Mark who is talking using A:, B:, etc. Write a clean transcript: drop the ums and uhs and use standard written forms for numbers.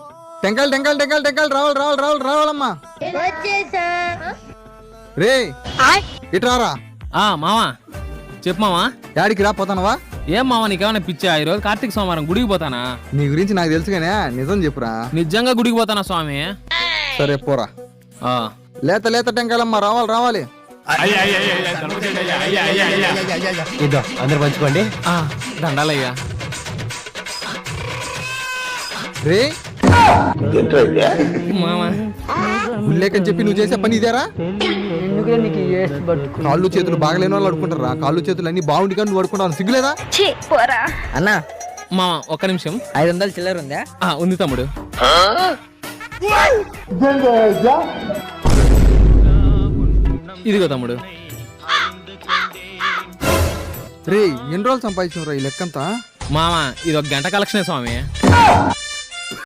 A: టెంకాయలు టెంకాయలు టెంకాయలు టెంకాయలు రావాలమ్మా. రే ఇట్రారా.
B: మావా చెప్పు మావా.
A: యాడికి రా పోతానవా?
B: ఏం మావా నీకేమైనా పిచ్చా? ఈరోజు కార్తీక సోమవారం గుడికి పోతానా?
A: నీ గురించి నాకు తెలుసు కానీ నిజం చెప్పురా.
B: నిజంగా గుడికి పోతానా స్వామి?
A: సరే పోరా. లేత లేత టెంకాయలమ్మా రావాలి.
C: ఇదో అందరు పంచుకోండి.
B: దండాలయ్యా.
A: రే
B: మామా
A: గుళ్ళేకని చెప్పి నువ్వు చేసే పని ఇదేరా? కాళ్ళు చేతులు బాగలేని వాళ్ళు అడుకుంటారా? కాళ్ళు చేతులు అన్ని బాగుండి కానీ నువ్వు అడుకుంటావు, సిగ్గులేదా?
C: అన్నా
B: మామా ఒక్క నిమిషం.
C: 500 చిల్లర ఉందా?
B: ఉంది తమ్ముడు. ఇదిగో తమ్ముడు.
A: రే ఎన్ని రోజులు సంపాదించిన రా ఈ లెక్కంతా?
B: మామా ఇది 1 గంట కలెక్షనే స్వామి.